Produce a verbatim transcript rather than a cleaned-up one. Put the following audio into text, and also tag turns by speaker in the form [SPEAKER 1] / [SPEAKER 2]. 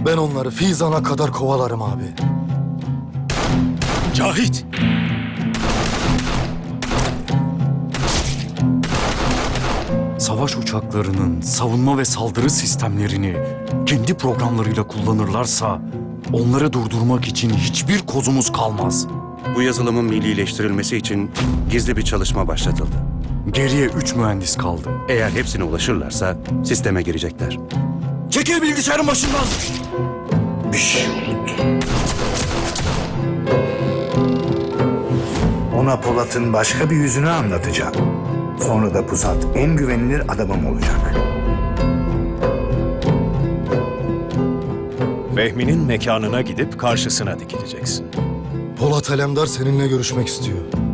[SPEAKER 1] Ben onları Fizan'a kadar kovalarım abi.
[SPEAKER 2] Cahit!
[SPEAKER 3] Savaş uçaklarının savunma ve saldırı sistemlerini kendi programlarıyla kullanırlarsa onları durdurmak için hiçbir kozumuz kalmaz.
[SPEAKER 4] Bu yazılımın millileştirilmesi için gizli bir çalışma başlatıldı.
[SPEAKER 3] Geriye üç mühendis kaldı.
[SPEAKER 4] Eğer hepsine ulaşırlarsa sisteme girecekler.
[SPEAKER 3] Çekil bilgisayarın başından!
[SPEAKER 5] Bir şey oldu. Ona Polat'ın başka bir yüzünü anlatacağım. Sonra da Pusat en güvenilir adamım olacak.
[SPEAKER 2] Vehmi'nin mekanına gidip karşısına dikileceksin.
[SPEAKER 1] Polat Alemdar seninle görüşmek istiyor.